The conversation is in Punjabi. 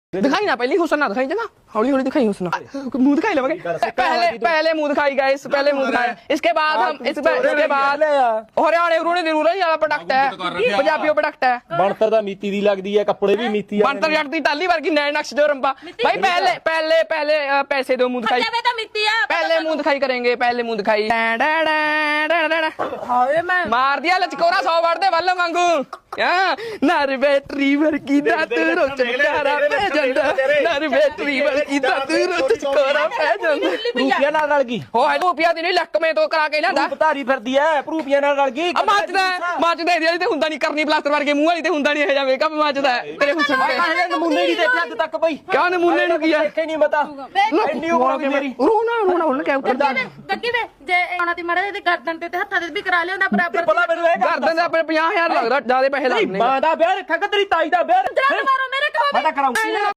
दिखाई ना पहले हुसन ना दिखाई जगह हौली हौली दिखाई हुसन मुंह दिखाई लगे पहले मुंह दिखाई गाइस पहले मुंह दिखाई इसके बाद हम इसके बाद हरियाणे रूने रूरल वाला प्रोडक्ट है पंजाबी प्रोडक्ट है ਬਣਤਰ ਦਾ ਮੀਤੀ ਦੀ ਲੱਗਦੀ ਹੈ ਕੱਪੜੇ ਵੀ ਮੀਤੀ ਆ बनतर जट दी टाली वर्गी नए नक्श जो रंबा भाई पहले पहले पहले पैसे दो मुंह दिखाई पहले मुंह दिखाई करेंगे पहले मुंह दिखाई मार दिया लचकोरा 100 वाट दे वल्ल मांगू नर बैटरी वर्गी दात रोचकारा पे जंदा नर बैटरी वर्गी दात रोचकारा पे जंदा ਰੂਪੀਆਂ ਨਾਲ ਰਲ ਗਈ हो है रुपया दी नहीं लक में तो करा के लियांदा ਧਾਰੀ ਫਿਰਦੀ ਐ ਰੂਪੀਆਂ ਨਾਲ ਰਲ ਗਈ ਮੱਚਦਾ ਇਹਦੇ ਵਾਲੀ ਤੇ ਹੁੰਦਾ ਨਹੀਂ ਕਰਨੀ ਪਲਾਸਟਰ ਵਰਗੇ ਮੂੰਹ ਵਾਲੀ ਤੇ ਹੁੰਦਾ ਨਹੀਂ ਇਹ ਜਾ ਮੇਕਅਪ ਮੱਚਦਾ ਤੇਰੇ ਹੁਸਨ ਤੇ ਨਮੂਨੇ ਨਹੀਂ ਦੇਖਿਆ ਅੱਜ ਤੱਕ ਬਈ ਕਿਆ ਨਮੂਨੇ ਨੂੰ ਕੀ ਆ ਦੇਖੇ ਨਹੀਂ ਮਤਾ ਇੰਨੀ ਉਮਰ ਹੋ ਗਈ ਮੇਰੀ ਰੋਣਾ ਕਿਆ ਉੱਤਰ ਗੱਡੀ ਵੇ ਜੇ ਆਉਣਾ ਤੇ ਮੜੇ ਤੇ ਗਰਦਨ ਤੇ ਹੱਥਾਂ ਤੇ ਵੀ ਕਰਾ ਲਿਆਉਂਦਾ ਬਰਾਬਰ ਭਲਾ ਮੈਨੂੰ ਇਹ ਗਰਦਨ ਦੇ ਆਪਣੇ 50000 ਲੱਗਦਾ ਜਿਆਦਾ ਪੈਸੇ ਲੱਗਣੇ ਮਾਂ ਦਾ ਵਿਆਹ ਰੱਖਾ ਕਿ ਤੇਰੀ ਤਾਈ ਦਾ ਵਿਆਹ ਜਾਨ ਮਾਰੋ ਮੇਰੇ ਕਹੋ ਮੈਂ ਤਾਂ ਕਰਾਉਂਗੀ